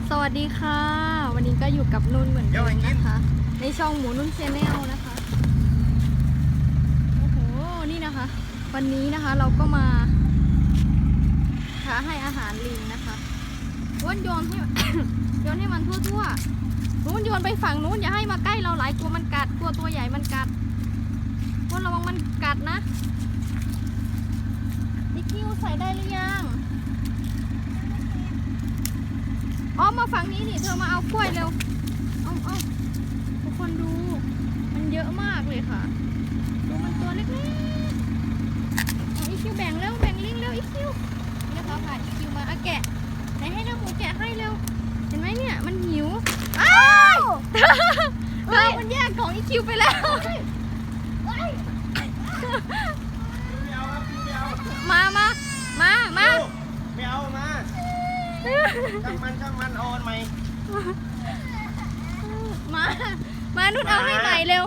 สวัสดีค่ะวันนี้ก็อยู่กับนุ่นเหมือนเดิมนะคะในช่องหมูนุ่นแชนแนลนะคะโอ้โหนี่นะคะวันนี้นะคะเราก็มาให้อาหารลิงนะคะว่นโยนให้ โยนให้มันทั่วๆนู้นโยนไปฝั่งนู้นอย่าให้มาใกล้เราหลายตัวมันกัดตัวใหญ่มันกัดว่นระวังมันกัดนะดิคิวใส่ได้หรือยังอ๋อมาฝั่งนี้นี่เธอมาเอากล้วยเร็วเอาทุกคนดูมันเยอะมากเลยค่ะดูมันตัวเล็กๆอีคิวแบ่งเร็วแบ่งลิงเร็วอีคิวนี่นะคะค่ะอีคิวมาแกะไหนให้น้าหมูแกะให้เร็วเห็นไหมเนี่ยมันหิวอ้าวเฮ้ยมันแยกของอีคิวไปแล้วมาไม่เอามาช่างมันเอาอันใหม่มานุ่นเอาให้ใหม่เร็ว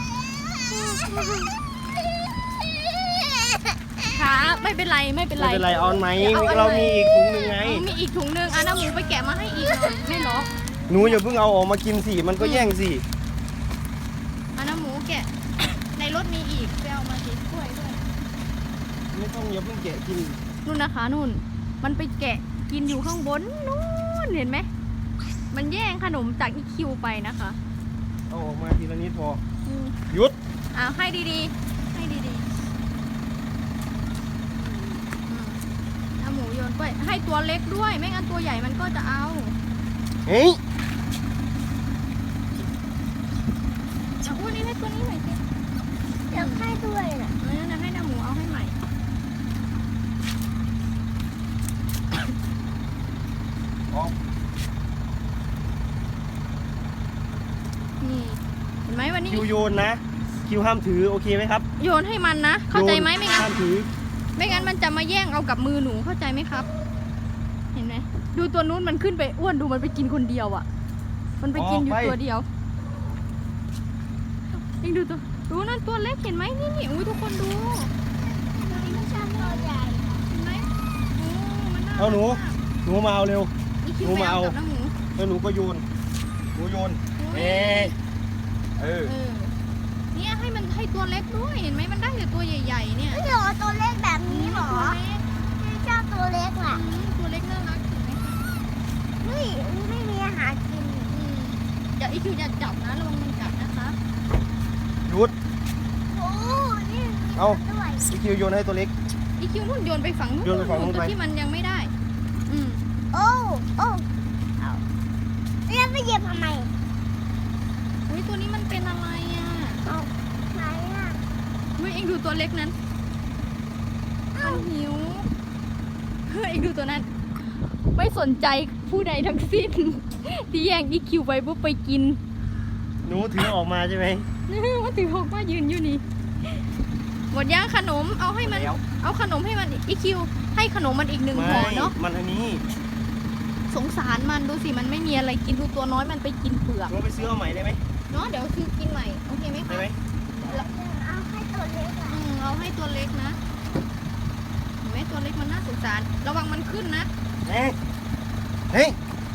ค่ะไม่เป็นไรเอาอันใหม่เรามีอีกถุงนึงไงมีอีกถุงนึงน้าหมูไปแกะมาให้อีกหน่อยไม่หรอหนูอย่าเพิ่งเอาออกมากินสิมันก็แย่งสิน้าหมูแกะในรถมีอีกไปเอามาสิกล้วยด้วยไม่ต้องอย่าเพิ่งแกะกินนู่นนะคะนู่นมันไปแกะกินอยู่ข้างบนนู่นเห็นไหมมันแย่งขนมจากอีคิวไปนะคะเอาออกมาทีละนิดพอหยุดให้ดีเอาหมูโยนไปให้ตัวเล็กด้วยไม่งั้นตัวใหญ่มันก็จะเอาเฮ้ยเอาอ้วนนี้ให้ตัวนี้หน่อยสิเดี๋ยวให้ด้วยนะนะให้น้าหมูเอาให้ใหม่นี่เห็นไหมวันนี้คิวโยนนะคิวห้ามถือโอเคไหมครับโยนให้มันนะเข้าใจไหมไม่งั้นห้ามถือไม่งั้นมันจะมาแย่งเอากับมือหนูเข้าใจไหมครับเห็นไหมดูตัวนู้นมันขึ้นไปอ้วนดูมันไปกินคนเดียวอ่ะมันไปกินอยู่ตัวเดียวเองดูนั่นตัวเล็กเห็นไหมนี่อุ้ยทุกคนดูไม่ใช่ตัวใหญ่เห็นไหมมันน่าเอาหนูมาเอาเร็วหนูมาเอาแล้วหนูก็โยนเนี่ยให้ตัวเล็กด้วยเห็นไหมมันได้แต่ตัวใหญ่ๆเนี่ยไม่เหรอตัวเล็กแบบนี้หรอไม่ชอบตัวเล็กล่ะตัวเล็กน่ารักเห็นไหมไม่มีอาหารกินอย่าอีคิวอย่าจับนะระวังมันกัดนะคะหยุดนี่เอาอีคิวโยนให้ตัวเล็กอีคิวนู่นโยนไปฝั่งนู้นตัวที่มันยังไม่ได้โอ้แล้วไปเหยียบทำไมอุ้ยตัวนี้มันเป็นอะไรไหนอุ้ยเอ็งดูตัวเล็กนั้นมันหิวเอ็งดูตัวนั้นไม่สนใจผู้ใดทั้งสิ้นที่แย่งอีคิวไปปุ๊บไปกินหนูถือออกมาใช่ไหมว่าถือออกมายืนอยู่นี่หมดย่างขนมเอาให้มันเอาขนมให้มันอีคิวให้ขนมมันอีก1 ห่อเนาะมันอันนี้สงสารมันดูสิมันไม่มีอะไรกินดูตัวน้อยมันไปกินเปลือกเราไปซื้อเอาใหม่ได้ไหมเนาะเดี๋ยวซื้อกินใหม่โอเคไหมคะเอาให้ตัวเล็กเอาให้ตัวเล็กนะเห็นไหมตัวเล็กมันน่าสงสารระวังมันขึ้นนะเฮ้ย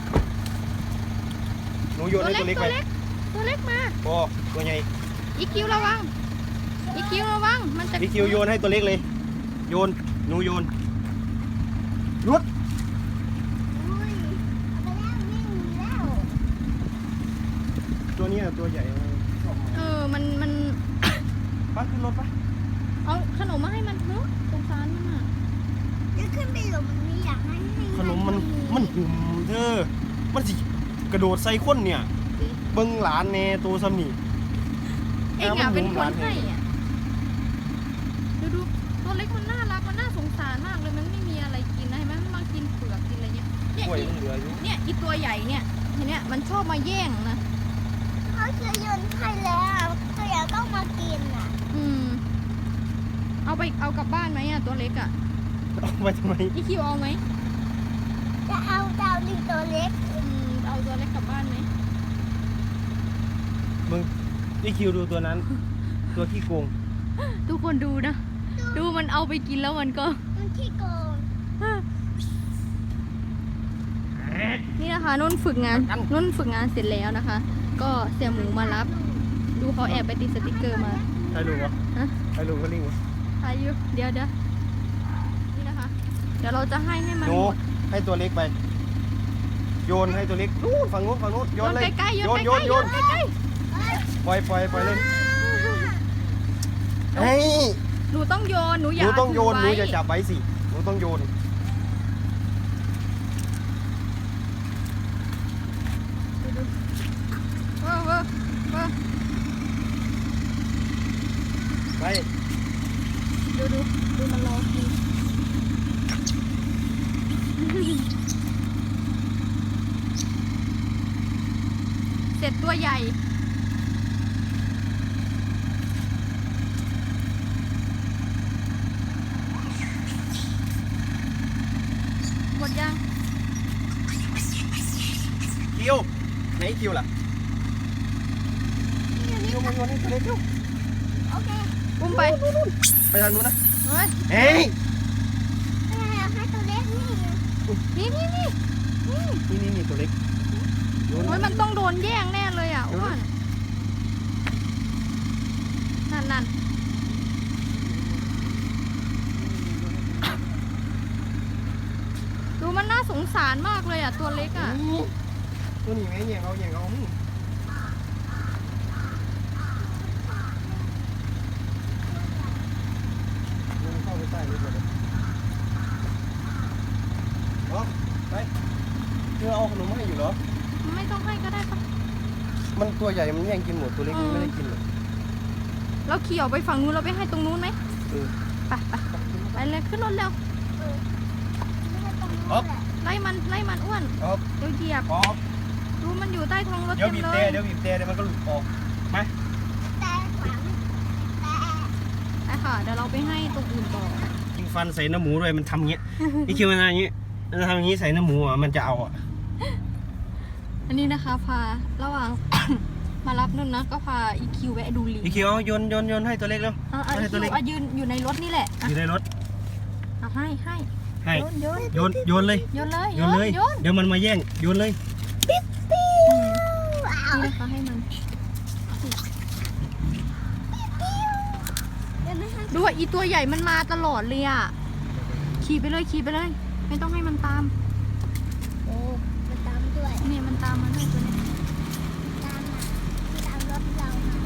หนูโยนให้ตัวเล็กไปตัวเล็กมาตัวใหญ่อีคิวระวังมันจะอีคิวโยนให้ตัวเล็กเลยโยนหนูโยนหยุดตัวนี้ตัวใหญ่มันป้าขึ้นรถปะเอาขนมมาให้มันเนอะสงสารมันอ่ะจะขึ้นไปหลุมนี้อยากให้ขนมมันหุ่มเธอมันสิกระโดดใส่คนเนี่ยเบิ้งหลานเนตัวซ้ำนี่เอ็งเป็นคนให้อ่ะดูตัวเล็กมันน่ารักมันน่าสงสารมากเลยมันไม่มีอะไรกินนะเห็นไหมมันมากินเปลือกกินอะไรเงี้ยเนี่ยอีตัวใหญ่เนี่ยเห็นเนี่ยมันชอบมาแย่งนะเขาจะโยนให้แล้วตัวใหญ่ต้องมากินอ่ะเอากลับบ้านไหมตัวเล็กเอาไปทำไมอีคิวเอาไหมจะเอาลิงตัวเล็กเอาตัวเล็กกลับบ้านไหมมึงอีคิวดูตัวนั้นตัวขี้โกงทุกคนดูนะดูมันเอาไปกินแล้วมันขี้โกงนี่นะคะนุ่นฝึกงานเสร็จแล้วนะคะ ก็เสี่ยหมูมารับ ดูเขาแอบไปติดสติกเกอร์มาใครรู้วะฮะใครรู้ก็ลิงวะอายุเดี๋ยวนี่นะคะ เดี๋ยวเราจะให้มันหนูหมดให้ตัวเล็กไป โยนให้ตัวเล็กนู่นฝั่งนู้นโยโยนนเลยใกล้ๆโยนโยใกล้นๆโยนใกล้ปล่อยเล่นเฮ้ยๆหนูต้องโยนหนูหอย่านูต้องโยนหนูถือย่าจับไว้สิหนูต้องโยนเออไปดูมันรอกินเสร็จตัวใหญ่หมดยังคิวไหนคิวล่ะคิวมาโยนให้ตัวเล็กคิวโอเคอุ้มไปไปทางนู้นนะเฮ้ยเฮ้ยให้ตัวเล็กนี่นี่ตัวเล็กโยนโอ้ยมันต้องโดนแย่งแน่เลยอ่ะอ้วนนั่นดูมันน่าสงสารมากเลยอ่ะตัวเล็กอ่ะตัวนี้แม่แย่งเอาโยนเข้าไปใต้เลยเลยไปเธอเอาขนมมาให้อยู่เหรอไม่ต้องให้ก็ได้ปะมันตัวใหญ่มันแย่งกินหมดตัวเล็กมันไม่ได้กินหรอกเราขี่ออกไปฝั่งนู้นเราไปให้ตรงนู้นไหมเออไปเลยขึ้นรถเร็วไม่ให้ตรงนู้นแหละไล่มันอ้วนครับเดี๋ยวเหยียบครับดูมันอยู่ใต้ท้องรถเดี๋ยวเต็มบีบเลแต่ยเดี๋ยวมันก็หลุดออกมาแต่ขวางแต่ไปค่ะเดี๋ยวเราไปให้ตรงอื่นต่อยิงฟันใส่เนื้อหมูด้วยมันทำเงี้ย นี่คิดว่าอย่างงี้มันทำอย่างงี้ใส่เนื้อหมูอ่ะมันจะเอาอ่ะอันนี้นะคะพาระหว่าง มารับนุ่นนะก็พาอีคิวแวะดูลิงพี่คิวเอาโยนให้ตัวเล็กแล้วอีให้ตัคิววเล็กยืนอยู่ในรถนี่แหละอยู่ในรถเอาให้ให้โยนโยนเลยโยนเลยโยนเลยโยนเดี๋ยวมันมาแย่งโยนเลยนี่นะคะให้มัน ดูว่าอีตัวใหญ่มันมาตลอดเลยอ่ะขี่ไปเลยไม่ต้องให้มันตามโอ้มันตามด้วยนี่มันตามมาด้วยตัวนี้ตามรถเรา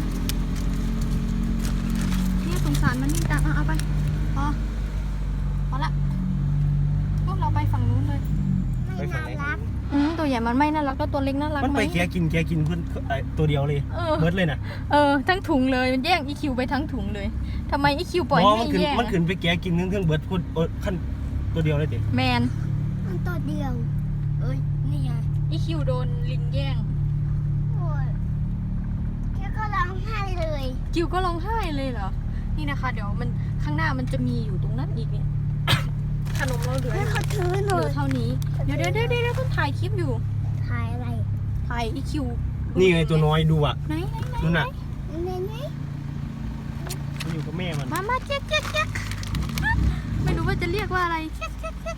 นี่สงสารมันนี่จังเอาไปพอละพวกเราไปฝั่งนู้นเลยไม่น่ารักตัวใหญ่มันไม่น่ารักก็ตัวเล็กน่ารักมันไหมไปแกกินเพื่อนตัวเดียวเลยเบิร์ดเลยนะทั้งถุงเลยมันแย่งอีคิวไปทั้งถุงเลยทำไมอีคิวปล่อยมองให้แย่งมันขึ้นไปแกกินเครื่องเบิร์ดคนขั้นตัวเดียวเลยเด็กแมนมันตัวเดียว เอ้ย นี่ไงอีคิวโดนลิงแย่งโอ้ยแค่ก็ร้องไห้เลยคิวก็ร้องไห้เลยเหรอนี่นะคะ เดี๋ยวมันข้างหน้ามันจะมีอยู่ตรงนั้นอีกเนี่ย ขนมเราเหลือให้เขาถือหน่อยเท่านี้เดี๋ยวต้องถ่ายคลิปอยู่ถ่ายอะไรถ่ายอีคิวนี่ไงตัวน้อยดูอ่ะไหนนู่นน่ะนี่นี่มันอยู่กับแม่มันมาเจ๊กไม่รู้ว่าจะเรียกว่าอะไรเจ๊ก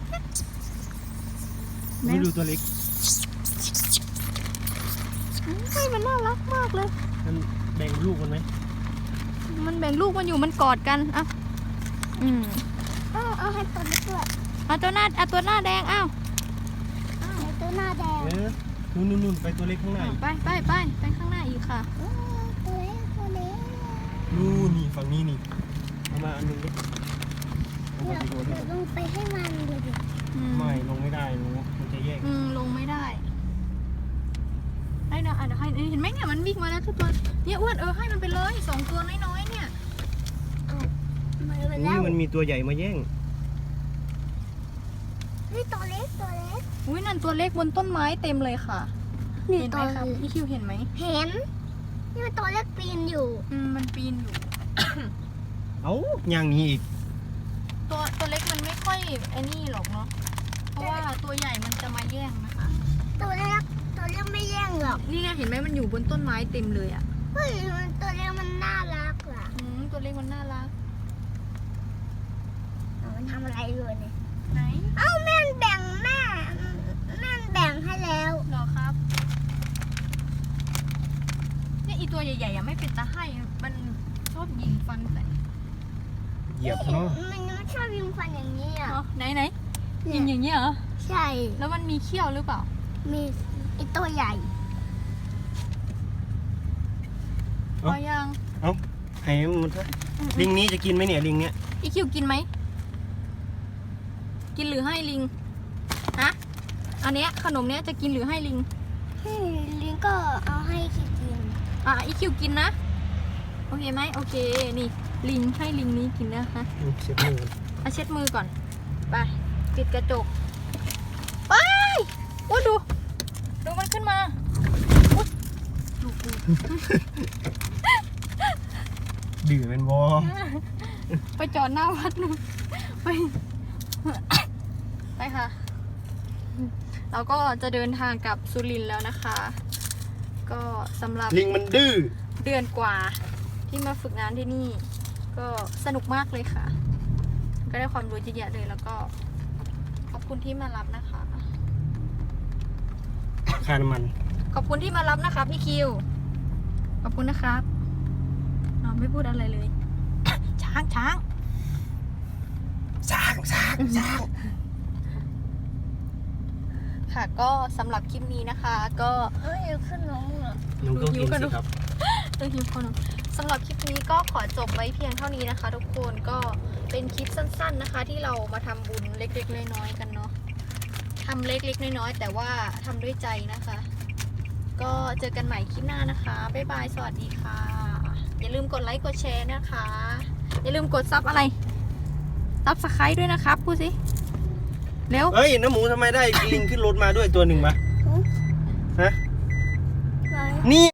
ไม่ดูตัวเล็กเฮ้ยมันน่ารักมากเลยมันแบ่งลูกมันไหมมันแบ่งลูกมันอยู่มันกอดกันอ่ะเอาให้ตัวนี้ด้วยเอาตัวหน้าแดงอ้าวให้ตัวหน้าแดงนู่นไปตัวเล็กข้างหน้าอีกไปข้างหน้าอีกค่ะตัวเล็กตัวเล็กนู่นนี่ฝั่งนี้นี่เอามาอันหนึงดิเอาเดี๋มายวไปโดนเดี๋ยวลงไปให้มันดูดิไม่ลงไม่ได้ลงมันจะแยกลงไม่ได้ได้นะเดี๋ยวให้เห็นไหมเนี่ยมันวิ่งมาแล้วทุกตัวเนี่ยอ้วนให้มันไปเลย2ตัวน้อยๆเนี่ยมาไปแล้นี่วมันมีตัวใหญ่มาแย่งนี่ตัวเล็กตัวเล็กอุ้ยนั่นตัวเล็กบนต้นไม้เต็มเลยค่ะนี่เห็นไหตัมวครับพี่คิวเห็นไหมเห็น นี่มันตัวเล็กปีนอยู่มันปีนอยู่เอ้าอย่างนี้อีกตัวเล็กมันไม่ค่อยไอ้นี่หรอกเนาะเพราะว่าตัวใหญ่มันจะมาแย่งนะคะตัวเล็กไม่แย่งหรอกนี่ไงเห็นไหมมันอยู่บนต้นไม้เต็มเลยอ่ะเฮ้ยมันตัวเล็กมันน่ารักอ่ะตัวเล็กมันน่ารักมันทำอะไรอยู่เนี่ยไหนเอ้าแม่นแบ่งแบ่งให้แล้วเหรอครับเนี่ยอีตัวใหญ่ๆยังไม่เป็นตาให้มันชอบยิงฟันใส่เหยียบเนาะมันชอบยิงฟันอย่างนี้อ่ะอ๋อไหนยิงอย่างเงี้ยเหรอใช่แล้วมันมีเขี้ยวหรือเปล่ามีไอตัวใหญ่พอยังให้มันเถอะลิงนี้จะกินไหมเนี่ยลิงเนี้ยอีคิวกินไหมกินหรือให้ลิงฮะอันเนี้ยขนมเนี้ยจะกินหรือให้ลิงลิงก็เอาให้คิดกินอีคิวกินนะโอเคไหมโอเคนี่ลิงให้ลิงนี้กินนะคะเช็ดมือเอาเช็ดมือก่อนไปปิดกระจกไปอู้ดูมันขึ้นมาอุ๊ยดูดื้อเป็นบอไปจอดหน้าวัดนู่นไปไปค่ะ เราก็จะเดินทางกลับสุรินทร์แล้วนะคะ ก็สำหรับลิงมันดื้อเดือนกว่าที่มาฝึกงานที่นี่ ก็สนุกมากเลยค่ะ ก็ได้ความรู้เยอะแยะเลยแล้วก็ขอบคุณที่มารับนะคะค่าน้ำมันขอบคุณที่มารับนะคะพี่คิว ขอบคุณนะครับน้องไม่พูดอะไรเลย ช้างสร้างค่ะก็สำหรับคลิปนี้นะคะ ก็อยู่ขึ้นน้องอ่ะน้องก็กินสิครับหิวคนสำหรับคลิปนี้ก็ขอจบไว้เพียงเท่านี้นะคะ ทุกคนก็เป็นคลิปสั้นๆนะคะ ที่เรามาทำบุญเล็กๆน้อยๆกันเนาะทำเล็กๆน้อยๆแต่ว่าทำด้วยใจนะคะ ก็เจอกันใหม่คลิปหน้านะคะบ๊ายบายสวัสดีค่ะ อย่าลืมกดไลค์กดแชร์นะคะ อย่าลืมกดซับอะไรซับสไครต์ด้วยนะครับพูดสิเร็วเฮ้ยน้ำหมูทำไมได้ลิงขึ้นรถมาด้วยตัวหนึ่งมาฮะไหนนี่